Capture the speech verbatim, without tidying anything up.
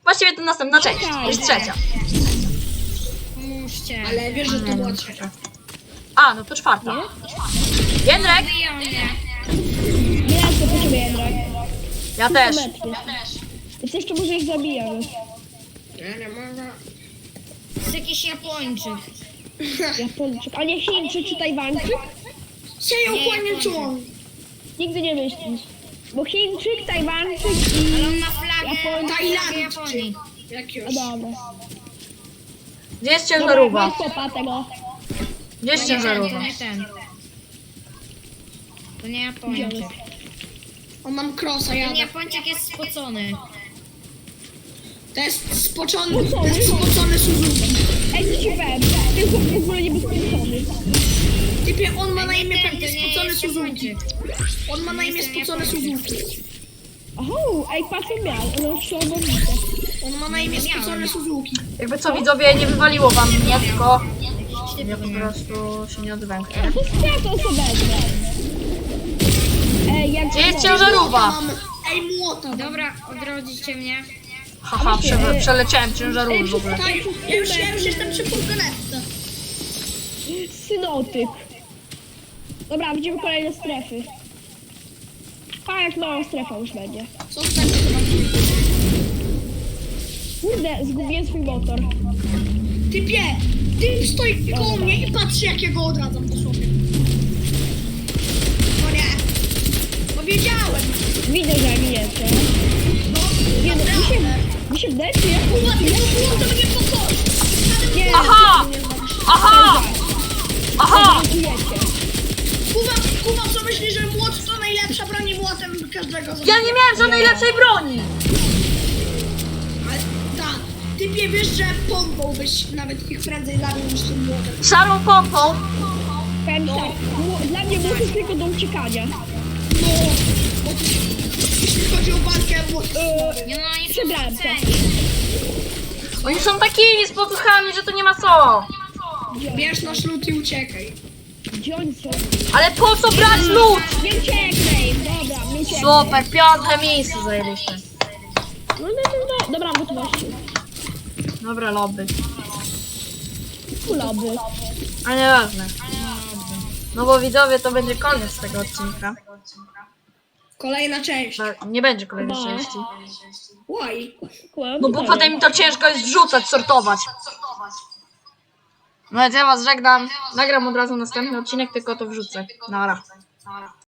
Właściwie to następna część, to jest trzecia. Pomóżcie. Ale wiesz, że to była trzecia. A, no to czwarta. Jędrek! Biją mnie. Nie, to potrzebuję Jędrek. Ja też. Więc jeszcze może ich zabijamy. Nie, nie mogę. To jest jakiś Japończyk. Japończyk. A nie Chińczyk czy Tajwańczyk? Sieją kłanie człon. Nigdy nie myślisz. Bo Chińczyk, Tajwańczyk Ale on i... ma flagę, Japończyk. flagę Japonii. Jak A już. dobra. Gdzie jest Dobra, ciężarówka? weź kopa tego. Gdzie jest To nie ten, to ciężarówka? nie ten. To nie Japończyk. On mam crossa, Ten jadę. Japończyk jest spocony. To jest spoczony, to jest spocony Suzuki. Ej, co ci powiem? Ten chłop w ogóle nie bezpieczony. Typie, on ma na Nie imię ten, pewnie to nie spocony jest Suzuki. Japończyk. On ma na imię jestem spocony Japończyk. Suzuki. Oho, ej, patrz co miał. Ono się obodnicę. On ma na imię spocony Suzuki. Jakby co widzowie, nie wywaliło wam mnie, tylko Jakiś ja typ po nie. prostu się nie odwęknę. A to jest ja to sobie wezmę. Ej, jak... Gdzie jest ciężarówka? Mam, ej, młota. Dobra, odrodzicie mnie. Haha, prze przeleciałem ciężarówkę w ogóle. Tak, ja już, ja już jestem przy furgonetce. Synotyp. Dobra, widzimy kolejne strefy. A, jak mała strefa już będzie. Co z tego, co mam Kurde, zgubiłem swój motor. Typie, typ stoi koło mnie i patrzy, jak ja go odradzam dosłownie. No nie. No wiedziałem. Widzę, że mi jest, nie? No, Nie, no, mi się, naprawdę. mi się wydaje, czy ja... Kuba, ty to mnie pokoi. Nie, Aha! Aha! Aha! Czujecie. Kuba, Kuba, co myślisz, że młot to najlepsza broń i młotem każdego Ja zabija? nie miałem żadnej lepszej broni! Ale tak, typie, wiesz, że pompą byś nawet ich prędzej zabił niż tym młotem. Szarą pompą! Powiem tak, mu- dla mnie młot jest tylko do uciekania. No, bo ty, jeśli chodzi o walkę, młot Eee, Nie no, oni są Przebrałem się. spoceni. Oni są takimi spotuchami, że to nie ma co! bierz nasz lód i uciekaj. Gdzie oni są? Ale po co brać lód? Nie ucieknę im, dobra, nie ucieknę. Super, piąte miejsce zajęliśmy. No, no, no, no, dobra, gotowości. Dobra, lobby. Kuloby. A nieważne. No bo widzowie, to będzie koniec tego odcinka. Kolejna część. No, nie będzie kolejnej No. części. Why? No bo potem mi to ciężko jest wrzucać, sortować. No więc ja was żegnam. Nagram od razu następny odcinek, tylko to wrzucę. Nara.